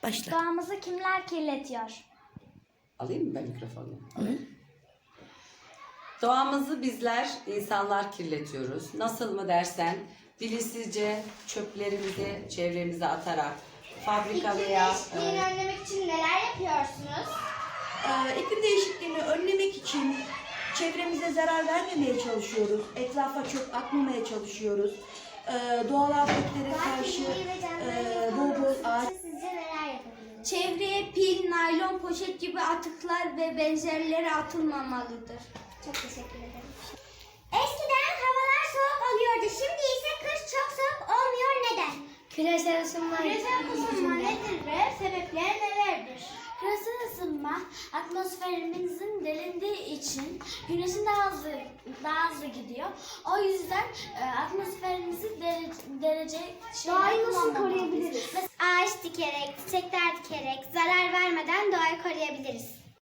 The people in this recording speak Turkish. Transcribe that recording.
Başla. Doğamızı kimler kirletiyor? Alayım mı ben mikrofonu? Alayım. Doğamızı bizler, insanlar kirletiyoruz. Nasıl mı dersen, bilinçsizce çöplerimizi çevremize atarak, fabrika veya... değişikliğini önlemek için neler yapıyorsunuz? İklim değişikliğini önlemek için çevremize zarar vermemeye çalışıyoruz. Etrafa çöp atmamaya çalışıyoruz. Doğal afetlere karşı bol bol ağaç... Sizce neler yapabiliriz? Çevreye pil, naylon, poşet gibi atıklar ve benzerleri atılmamalıdır. Çok teşekkür ederim. Eskiden havalar soğuk oluyordu. Şimdi ise kış çok soğuk olmuyor. Neden? Küresel ısınma. Küresel ısınma nedir ve sebepleri nelerdir? Küresel ısınma atmosferimizin delindiği için güneşin daha hızlı gidiyor. O yüzden atmosferimizi derece Doğayı nasıl koruyabiliriz? Ağaç dikerek, çiçekler dikerek zarar vermeden doğayı koruyabiliriz.